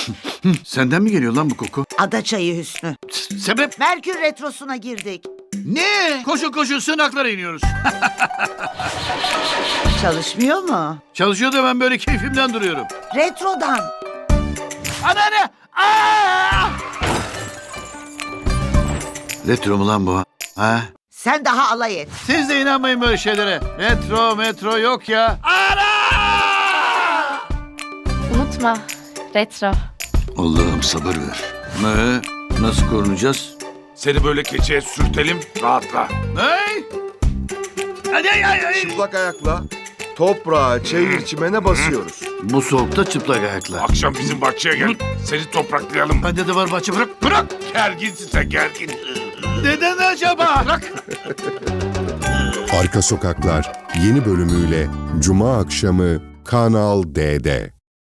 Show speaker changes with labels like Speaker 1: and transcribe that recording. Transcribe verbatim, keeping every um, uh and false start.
Speaker 1: Senden mi geliyor lan bu koku?
Speaker 2: Ada çayı Hüsnü.
Speaker 1: S- Sebep?
Speaker 2: Merkür Retrosu'na girdik.
Speaker 1: Ne? Koşu koşu sığınaklara iniyoruz.
Speaker 2: Çalışmıyor mu?
Speaker 1: Çalışıyor da ben böyle keyfimden duruyorum.
Speaker 2: Retrodan.
Speaker 1: Anneanne! Aa! Retro mu lan bu? Ha?
Speaker 2: Sen daha alay et.
Speaker 1: Siz de inanmayın böyle şeylere. Retro metro yok ya. Ana!
Speaker 3: Unutma, retro.
Speaker 1: Allah'ım sabır ver. Ne? Nasıl korunacağız?
Speaker 4: Seni böyle keçeye sürtelim, rahatla.
Speaker 1: Hey! Hadi hadi hadi.
Speaker 5: Çıplak ayakla toprağa, çayır çimene basıyoruz.
Speaker 1: Bu soğukta çıplak ayakla.
Speaker 4: Akşam bizim bahçeye gel, seni topraklayalım.
Speaker 1: Bende de var bahçe, bırak.
Speaker 4: Bırak! Gerginsin sen, gergin.
Speaker 1: Neden acaba? Bırak.
Speaker 6: Arka Sokaklar yeni bölümüyle Cuma akşamı Kanal D'de.